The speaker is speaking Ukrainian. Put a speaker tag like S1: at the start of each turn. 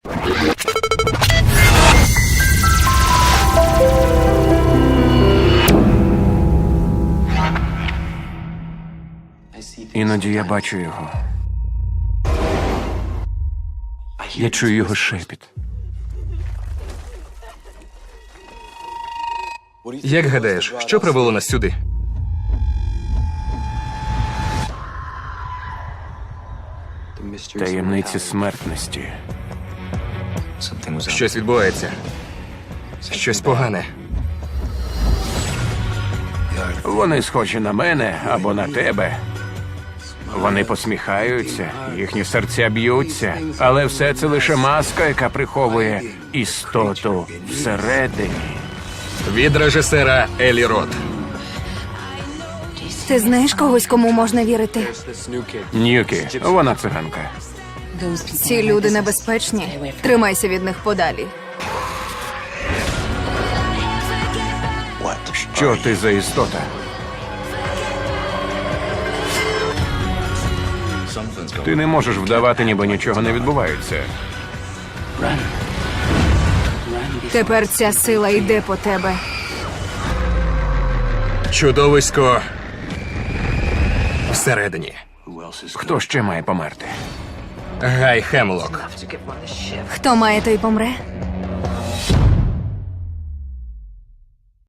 S1: Іноді я бачу його. Я чую його шепіт.
S2: Як гадаєш, що привело нас сюди?
S1: Таємниці смертності.
S2: Щось відбувається. Щось погане.
S1: Вони схожі на мене або на тебе. Вони посміхаються, їхні серця б'ються, але все це лише маска, яка приховує істоту всередині.
S2: Від режисера Елі Рот.
S3: Ти знаєш когось, кому можна вірити?
S1: Ньюкі, вона циганка.
S3: Ці люди небезпечні. Тримайся від них подалі.
S1: Що ти за істота? Ти не можеш вдавати, ніби нічого не відбувається.
S3: Тепер ця сила йде по тебе.
S2: Чудовисько всередині.
S1: Хто ще має померти?
S2: Гай Хемлок.
S3: Хто має, той помре.